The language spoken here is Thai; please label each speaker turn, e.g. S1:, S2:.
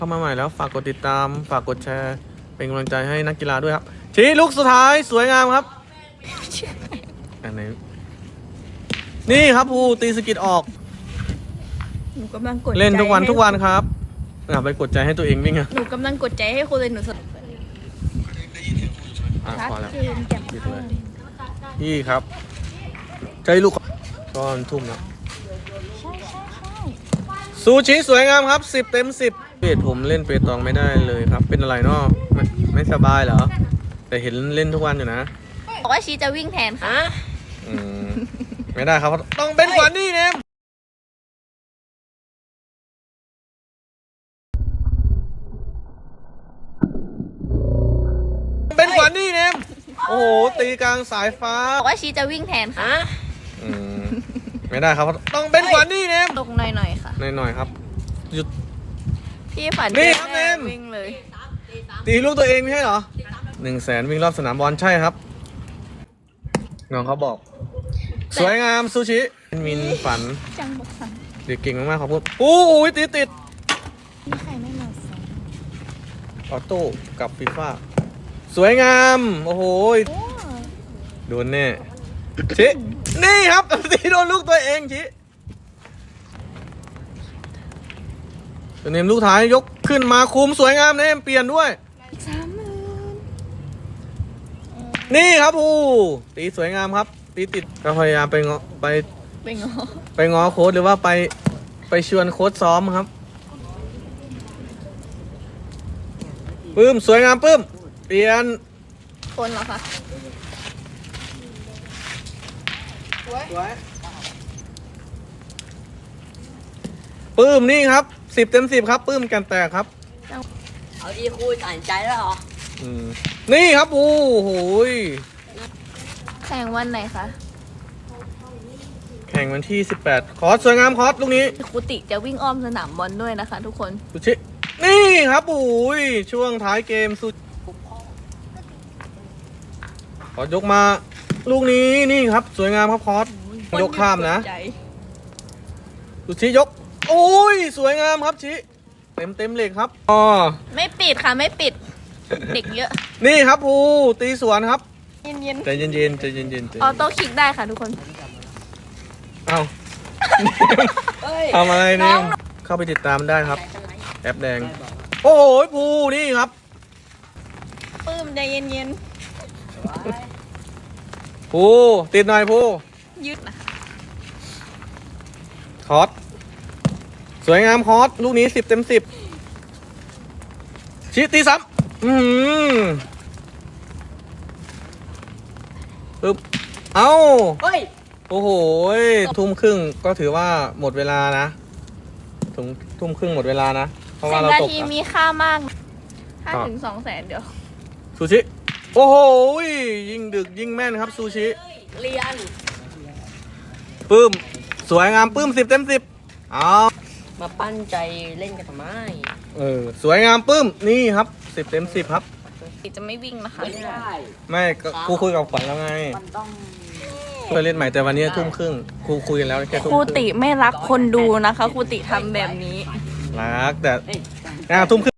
S1: เข้ามาใหม่แล้วฝากกดติดตามฝากกดแชร์เป็นกำลังใจให้นักกีฬาด้วยครับชี้ลูกสุดท้ายสวยงามครับอันไหนนี่ครับภูตีสกิดออก
S2: หนูกำลังกดใจ
S1: เล่นทุกวันครับไปกดใจให้ตัวเองวิ่งอ่ะ
S2: หนูกำลังกดใจให้คุณเลยหนูสด ชัด
S1: พอแล้ว
S2: เจนแจ่ม
S1: หยุด
S2: แจ้
S1: เลย
S2: ง
S1: พี่ครับใจลูกก้อนทุ่มแล้ว
S2: ใช่
S1: ซูชิสวยงามครับ10 เต็ม 10เปผมเล่นเปตองไม่ได้เลยครับเป็นอะไรเนาะไม่สบายเหรอแต่เห็นเล่นทุกวันอยู่นะ
S2: บอกว่าชีจะวิ่งแทนค่ะ
S1: อืมไม่ได้ครับต้องเป็นขวัญนี่เนมเป็นขวัญนี่เนมโอ้โหตีกลางสายฟ้า
S2: บอกว่าชีจะวิ่งแทนค่ะ
S1: อืมไม่ได้ครับต้องเป็นขวัญนี่เนม
S2: ตกหน่อยๆค่ะ
S1: หน่อยๆครับหยุด
S2: พี่ฝัน
S1: นี่
S2: เจ๊
S1: ครับ
S2: แม่
S1: เนม
S2: วิ่งเลย
S1: ตีลูกตัวเองไม่ใช่เหรอ100,000วิ่งรอบสนามบอลใช่ครับน้องเขาบอก สวยงามซูชิมินฝัน
S2: จังบอกฝัน
S1: เด็กเก่งมากๆขอบคุณโอ้ยติด
S2: นี่ใครไม่มาสอน
S1: ออโต้กับฟีฟ่าสวยงามโอ้โห
S2: โอ้
S1: โดนแน่ชินี่ครับตีโดนลูกตัวเองชิเนมลูกท้ายยกขึ้นมาคุมสวยงามเนมเปลี่ยนด้วย
S2: อีก30,000
S1: นี่ครับภูตีสวยงามครับตีติดก็พยายามไปง้อไป
S2: ไปงอ
S1: ไปง้อโค้ชหรือว่าไปชวนโค้ชซ้อมครับปื้มสวยงามปื้มเปลี่ยน
S2: คนเหรอคะ
S1: ปื้มนี่ครับ10 เต็ม 10ครับปื้มแกนแตกครับ
S3: เอาดีคุยตัดใจแล้วเหรอ
S1: อืมนี่ครับโอ้โหย
S2: แข่งวันไหนคะ
S1: แข่งวันที่18คอร์สสวยงามคอร์สลูกนี้
S2: ครูติจะวิ่งอ้อมสนามบอลด้วยนะคะ ทุกคน
S1: สุชินี่ครับโอ้ยช่วงท้ายเกมสุคอร์สยกมาลูกนี้นี่ครับสวยงามครับคอร์สยกข้ามนะ
S2: คกดใจ
S1: สุชิยกโอ้ยสวยงามครับชิเต็มเหล็กครับอ๋อ
S2: ไม่ปิดค่ะไม่ปิด เด็กเยอะ
S1: นี่ครับภูตีสวนครับ
S2: เย็น
S1: ใจเย็นๆใจเย็นๆใจ
S2: ๆออโต้คลิกได้ค่ะทุกคน
S1: เอา
S3: เฮ้ย
S1: ทำอะไรเนี่ยเข้าไปติดตามได้ครับ แอปแดง โอ้โหภูนี่ครับ
S2: ปื้มใจเย็น
S1: ภูติดหน่อยภู
S2: ๆยืดนะคะ
S1: คอร์สสวยงามคอร์สลูกนี้10 เต็ม 10ชิตีซ้ำปึ๊บเอ้า
S3: เฮ้ย
S1: โอ้โหทุ่มครึ่งก็ถือว่าหมดเวลานะทุ่มครึ่งหมดเวลานะเพราะว่า
S2: 10
S1: เรา
S2: นา
S1: ตก
S2: ที
S1: อะ
S2: มีค่ามาก
S1: ครับ
S2: 5 ถึง 2 แสนเดี๋ยว
S1: ซูชิโอ้โหยิ่งดึกยิ่งแม่นครับซูชิ
S3: เรียน
S1: ปื้มสวยงามปื้ม10 เต็ม 10เอา
S3: มาปั้นใจเล่นกันทำไม
S1: สวยงามปื้มนี่ครับ10 เต็ม 10ครับ
S2: จะไม่วิ่งนะคะ
S3: ไม่ได้
S1: ไม่ก็ครูคุยกับขวัญแล้วไง
S3: มันต้อง
S1: ไปเล่นใหม่แต่วันนี้ทุ่มครึ่งครูคุยกันแล้วแค่ทุ่ม
S2: ครู
S1: ครึ่ง
S2: ติไม่รักคนดูนะคะครูติทำแบบนี้
S1: รักแต่
S3: เอ้ย
S1: ทุ่มครึ่ง